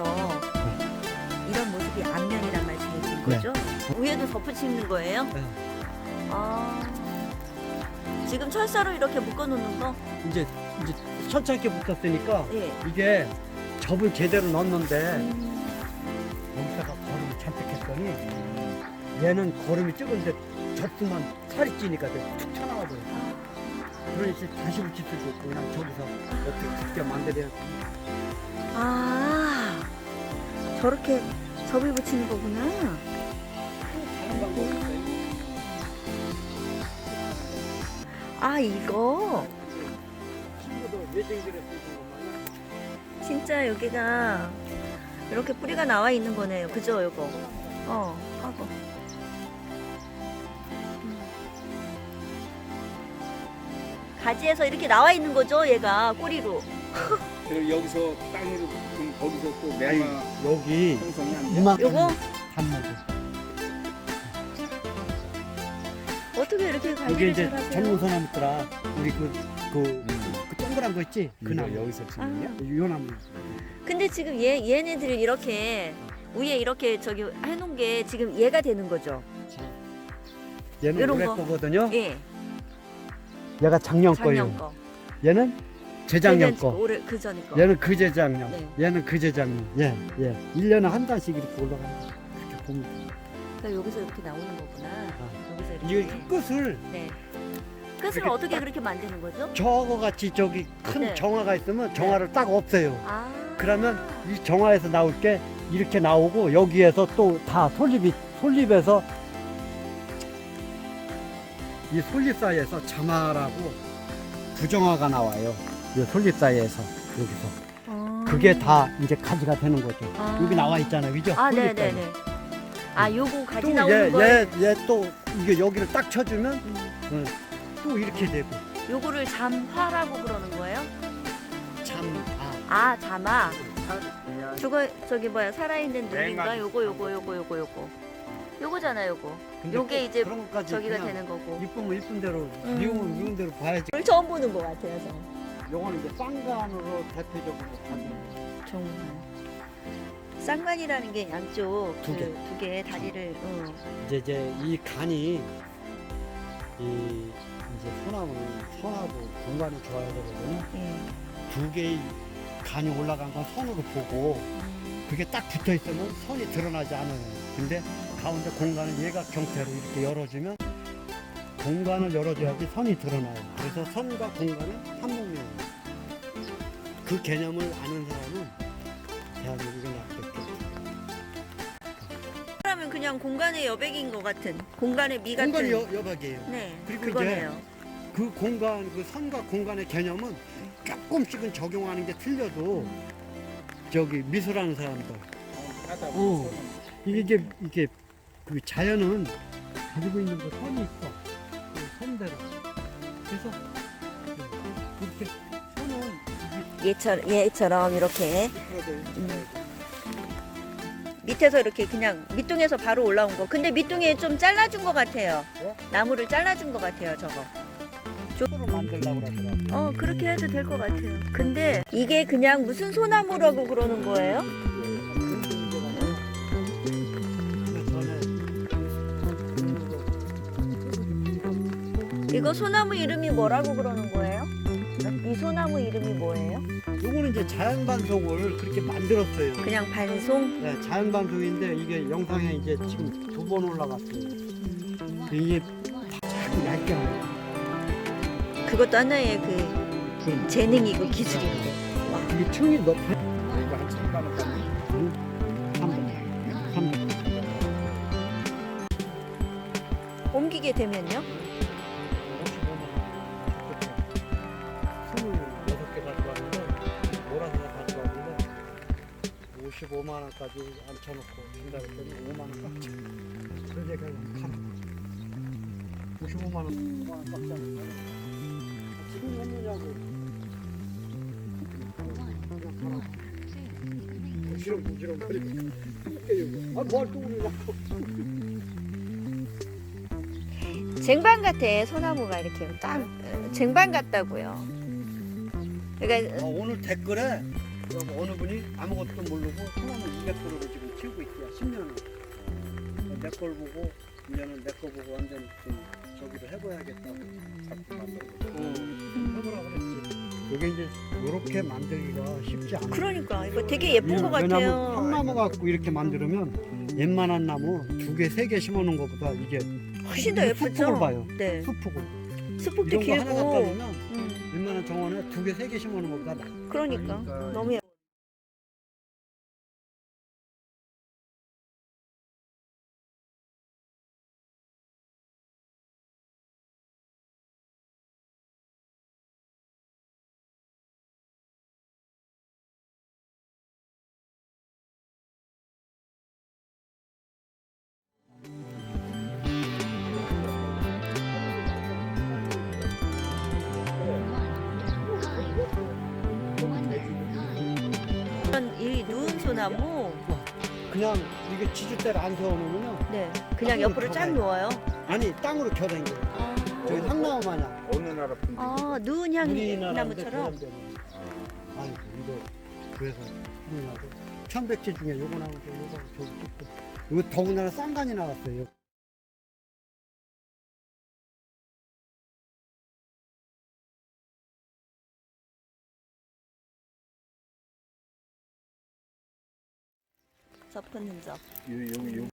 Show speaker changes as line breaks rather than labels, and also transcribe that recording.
나와서 이런 모습이 앞면이란 말씀이신 거죠? 위에도 덮어치는 거예요?
네.
아, 지금 철사로 이렇게 묶어놓는 거?
이제 천천히 붙었으니까
예.
이게 접을 제대로 넣었는데 여기다가 거름을 잔뜩 했더니 얘는 거름이 적은데 접수만 살이 찌니까 툭 튀어나와버려. 그러니까 다시 붙일 수도 없고 그냥 저기서 어떻게 쉽게 만들어야 돼.
아, 저렇게 접을 붙이는 거구나.
다른 방법이 있어요.
아, 이거
친구도 외생들에 쓰는 것만
진짜 여기가 이렇게 뿌리가 나와 있는 거네요. 그죠, 이거? 하고. 가지에서 이렇게 나와 있는 거죠, 얘가 꼬리로.
그리고 여기서 땅으로 그럼 거기서 또
아니,
매마
여기
형성이 안 돼.
이만큼
요거?
단무지.
어떻게 이렇게
여기
관리를
이제
잘하세요?
전문소나무더라. 우리 그 동그란 거 있지? 그 나무.
여기서 찍느냐?
요 나무.
근데 지금 얘네들 이렇게 위에 이렇게 저기 해놓은 게 지금 얘가 되는 거죠?
얘는
요런
올해
거.
거거든요.
예.
얘가 작년
작년
거예요.
거.
얘는 재작년
거.
거.
올해 그 전에 거.
얘는 그재작년.
네.
얘는 그재작년. 예. 1년에 한 달씩 이렇게 올라가는 거. 그렇게 보면.
그러니까 여기서 이렇게 나오는 거구나. 여기서
이게
이렇게.
끝을
네. 끝을
이렇게
어떻게 그렇게 만드는 거죠?
저거 같이 저기 큰
네.
정화가 있으면 정화를 딱 없애요.
아.
그러면 이 정화에서 나올 게 이렇게 나오고 여기에서 또 다 솔잎에서 이 솔잎 사이에서 자마라고 부정화가 나와요. 이 솔잎 사이에서 여기서 그게 다 이제 가지가 되는 거죠.
아.
여기 나와 있잖아요, 그죠?
아,
솔잎 사이.
네네네. 아, 요거 가지
또
나오는 거.
얘 또 이게 여기를 딱 쳐주면 또 이렇게 되고
요거를 잠화라고 그러는 거예요?
참
아, 잠화. 저거 저기 뭐야 살아있는 눈인가?
맹아지.
요거잖아, 요거.
근데
요게
꼭
이제
그런 것까지
저기가
그냥
되는 거고.
이쁘면 이쁜 대로 미우면 미운 대로 봐야지.
오늘 처음 보는 것 같아요, 저.
요거는 이제 쌍간으로 대표적으로 가는
정말. 쌍관이라는 게 양쪽
두 개.
두 개 다리를.
이제 이 간이 이제 소나무 선하고 공간이 좋아야 되거든요.
예.
두 개의 간이 올라간 건 선으로 보고 그게 딱 붙어 있으면 선이 드러나지 않아요. 근데 가운데 공간을 얘가 경태로 이렇게 열어주면 공간을 열어줘야지 선이 드러나요. 그래서 선과 공간은 한목이에요. 그 개념을 아는 사람은 대한민국에 낫겠죠.
그러면 그냥 공간의 여백인 것 같은 공간의 미 같은.
공간이 여박이에요.
네.
그리고
그거네요.
그 공간, 그 선과 공간의 개념은 조금씩은 적용하는 게 틀려도 저기 미술하는 사람들
하다
어.
보면
이게 그 자연은 가지고 있는 거 선이 있어. 그 선대로. 그래서 이렇게 선은
얘처럼 이렇게 밑에서 이렇게 그냥 밑둥에서 바로 올라온 거. 근데 밑둥에 좀 잘라준 것 같아요.
네?
나무를 잘라준 것 같아요, 저거.
쪽으로 만들려고 그러더라고요.
그렇게 해도 될 것 같아요. 근데 이게 그냥 무슨 소나무라고 그러는 거예요? 이거 소나무 이름이 뭐라고 그러는 거예요? 이 소나무 이름이 뭐예요?
요거는 이제 자연 반송을 그렇게 만들었어요.
그냥 반송?
네, 자연 반송인데 이게 영상에 이제 지금 2번 올라갔어요. 이게 자꾸 얇게 나와요.
그것도 하나의 그 재능이고 기술이고.
이게 층이 높아.
이거 한 3만 원까지
3번.
옮기게 되면요?
26개 가져왔는데 몰아서 가져왔는데 55만 원까지 앉혀놓고 준다 그랬더니 5만 원 깎지. 그래서 제가 팔아. 55만 원, 5만 원 깎지 않을까? 지금 했느냐고. 부지런 거리고. 뭘 또 우리라고.
쟁반 같아, 소나무가 이렇게 딱 쟁반 같다고요. 그러니까
오늘 댓글에 그리고 어느 분이 아무것도 모르고 소나무 200그루를 지금 키우고 있대요. 10년을. 내 걸 보고 이제는 내 거 보고 완전 좀 저기도 해봐야겠다고 자꾸 만들고 해보라 그랬지. 이게 이제 이렇게 만들기가 쉽지 않아.
그러니까 이거 되게 예쁜 것 같아요.
왜냐면 한나무 갖고 이렇게 만들면 웬만한 나무 2개, 3개 심어놓은 것보다 이게
훨씬 더 예쁘죠?
수폭을 봐요.
네.
수폭을.
수폭도
이런 거 하나 갖다
길고.
주면 웬만한 정원에 2개, 3개 심어놓은 것보다 나.
그러니까 너무 예뻐. 이 누운 소나무,
그냥 이게 지주대를 안 세워놓으면요.
네, 그냥 옆으로 쫙 놓아요.
아니 땅으로 겨댕겨.
아,
저기 상나무 마냥.
어느 나라 분들?
누운 향나무처럼.
아니 이거 그래서 우리나라 천백제 중에 요거 나오고 요거 저기 찍고 이거 더군다나 쌍간이 나왔어요.
접은 흔적.
여기